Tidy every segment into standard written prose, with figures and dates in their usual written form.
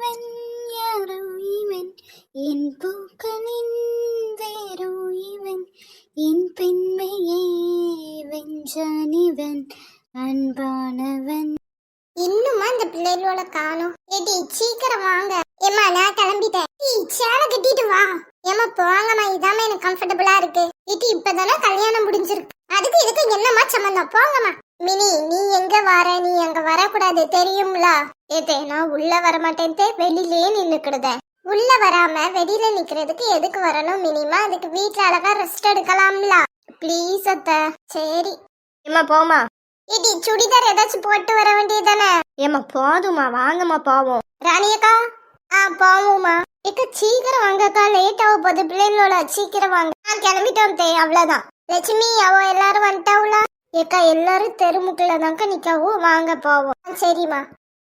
இவன் யாரோ இவன் என் பூக்களின் வேரோ இவன் என் பெண்மையை வென்றான் இவன் அன்பானவன். இன்னுமா இந்த பிள்ளைகளோட காணோம்? ஏடி சீக்கிரம் வாங்க. ஏமா நான் கிளம்பிட்டேன். சேலை கட்டிட்டு வா. ஏமா போங்கம்மா, இதாம எனக்கு கம்ஃபர்டபுளா இருக்கு. ஏடி இப்பதானே கல்யாணம் முடிஞ்சிருக்கு, அதுக்கு இதுக்கு என்னமா சம்பந்தம்? போங்கம்மா. மினி நீ எங்க வர? நீ அங்க வரக்கூடாது தெரியும்ல. ஏதே நான் உள்ள வரமாட்டேன், வெளியிலே நின்னுக்கிடுத. உள்ள வராம வெளியில நிக்கிறதுக்கு எதுக்கு வரணும் மினிமா? அதுக்கு வீட்டுல அழகா ரெஸ்ட் எடுக்கலாம்ல. ப்ளீஸ் அத்த. சரி ஏமா போமா. ஏடி சுடிதார் ஏதாச்சும் போட்டு வர வேண்டியதானே? ஏமா போதுமா, வாங்கம்மா போவோம். ராணியக்கா போவோமா? ஏக்கா சீக்கிரம் வாங்கக்கா, லேட் ஆக போகுது பிள்ளைங்களோட. சீக்கிரம் வாங்க. நான் கிளம்பிட்டோம் தே, அவ்வளவுதான். லட்சுமி அவ எல்லாரும் வந்துட்டாவுல? ஏக்கா எல்லாரும் தெருமுக்குள்ள தாங்க நிக்கவும், வாங்க போவோம். சரிம்மா.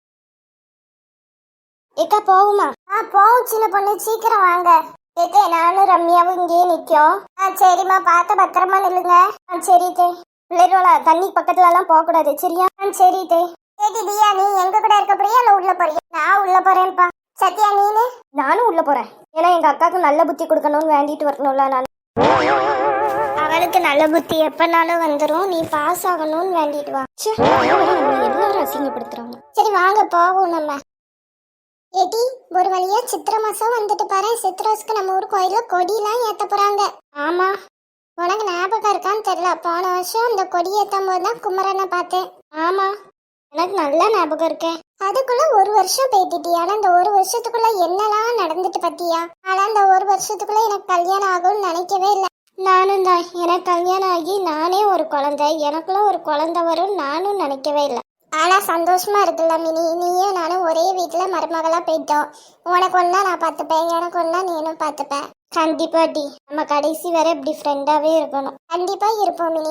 ஏக்கா போவுமா? போவும் சின்ன பொண்ணு, சீக்கிரம் வாங்க. ஏக்கா நானும் ரம்யாவும் இங்கேயே நிக்கோம். சரிம்மா, பார்த்து பத்திரமா நில்லுங்க. சரி தே. பிள்ளைகளோட தண்ணி பக்கத்துல எல்லாம் போக கூடாது, சரியா? சரி தே. ஏடி தியா நீ எங்க கூட இருக்க போறியா இல்ல உள்ள போறியா? நான் உள்ள போறேன்ப்பா. சத்யா நீனு? நானும் உள்ள போறேன். ஏன்னா எங்க அக்காவுக்கு நல்ல புத்தி கொடுக்கணும்னு வேண்டிட்டு வரணும்ல. நான் அவளுக்கு நல்ல புத்தி எப்பனாலும் வந்துடும், நீ பாஸ் ஆகணும்னு வேண்டிட்டு வா. எல்லாரும் அசிங்கப்படுத்துறாங்க. சரி வாங்க போவோம் நம்ம. ஏடி ஒரு வழியா சித்திரை மாசம் வந்துட்டு பாரு. சித்திரோஸ்க்கு நம்ம ஊர் கோயில கொடியெல்லாம் ஏத்த போறாங்க. ஆமா, உனக்கு ஞாபகம் இருக்கான்னு தெரியல, போன வருஷம் இந்த கொடி ஏற்றும் போது தான் குமரனை பார்த்தேன். ஆமா எனக்கு நல்லா ஞாபகம் இருக்கேன். அதுக்குள்ள ஒரு வருஷம் போயிட்டுட்டி. ஆனா இந்த ஒரு வருஷத்துக்குள்ள என்னெல்லாம் நடந்துட்டு பத்தியா? ஆனா இந்த ஒரு வருஷத்துக்குள்ள எனக்கு கல்யாணம் ஆகும்னு நினைக்கவே இல்லை. நானும் தான், எனக்கு கல்யாணம் ஆகி நானே ஒரு குழந்தை, எனக்குள்ள ஒரு குழந்தை வரும் நானும் நினைக்கவே இல்லை. ஆனா சந்தோஷமா இருக்குல்ல மினி, நீயும் நானும் ஒரே வீட்டுல மருமகளா போயிட்டோம். உனக்கு ஒன்னா நான் பார்த்துப்பேன், எனக்கு ஒன்னா நீனும் பார்த்துப்பேன். கண்டிப்பா டி, நம்ம கடைசி வரை இப்படி ஃப்ரெண்டாவே இருக்கணும். கண்டிப்பா இருப்போம் மினி.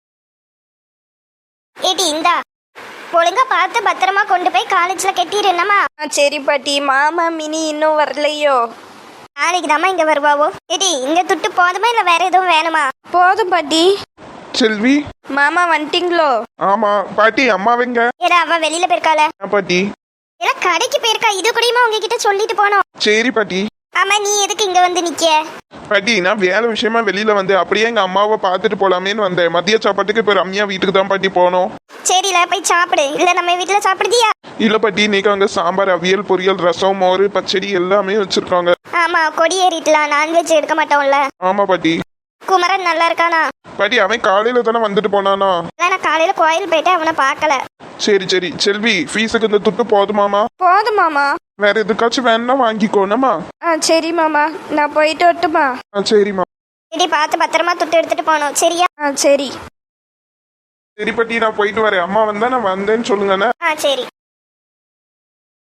ஏடி இந்தா ஒழுங்கா பார்த்து பத்திரமா கொண்டு போய் காலேஜ்ல கட்டிடுறேன்னமா. சரி பாட்டி. மாமா மினி இன்னும் வரலையோ? நாளைக்கு தாம்மா இங்க வருவாவோ. ஏடி இந்த துட்டு போதுமா இல்ல வேற எதுவும் வேணுமா? போதும் பாட்டி. செல்வி மாமா வந்துட்டீங்களோ? ஆமா பாட்டி. அம்மாவெங்க? ஏடா அவ வெளியில போயிருக்காள. பாட்டி ஏடா கடைக்கு போயிருக்கா. இது கூடயுமா உங்ககிட்ட சொல்லிட்டு போனோம். சரி பாட்டி. ஆமா நீ எதுக்கு இங்க வந்து நிக்க? பாட்டி நான் வேலை விஷயமா வெளியில வந்து அப்படியே எங்க அம்மாவை பார்த்துட்டு போலாமேன்னு வந்தேன். மதிய சாப்பாட்டுக்கு இப்ப ரம்யா வீட்டுக்கு தான் பாட்டி போனோம். சரில போய் சாப்பிடு. இல்ல நம்ம வீட்டுல சாப்பிடுதியா? இல்ல பாட்டி, இன்னைக்கு அங்க சாம்பார், அவியல், பொரியல், ரசம், மோர், பச்சடி எல்லாமே வச்சிருக்காங்க. ஆமா கொடி ஏறிட்டலாம், நான்வெஜ் எடுக்க மாட்டோம்ல. ஆமா பாட்டி. குமரன் நல்லா இருக்கானா? பாட்டி அவன் காலையில தானே வந்துட்டு போனானா? நான் காலையில கோயில் போயிட்டு அவனை பார்க்கல. சரி சரி. செல்வி ஃபீஸுக்கு இந்த துட்டு போதுமாமா? போதும் மாமா. வேற எதுக்காச்சும் வேணும்னா வாங்கிக்கோனமா. சரி மாமா, நான் போயிட்டு வரட்டுமா? சரிம்மா. இடி பார்த்து பத்திரமா துட்டு எடுத்துட்டு போனோம், சரியா? சரி. சரி பாட்டி நான் போயிட்டு வரேன். அம்மா வந்தா நான் வந்தேன்னு சொல்லுங்கண்ணே. சரி.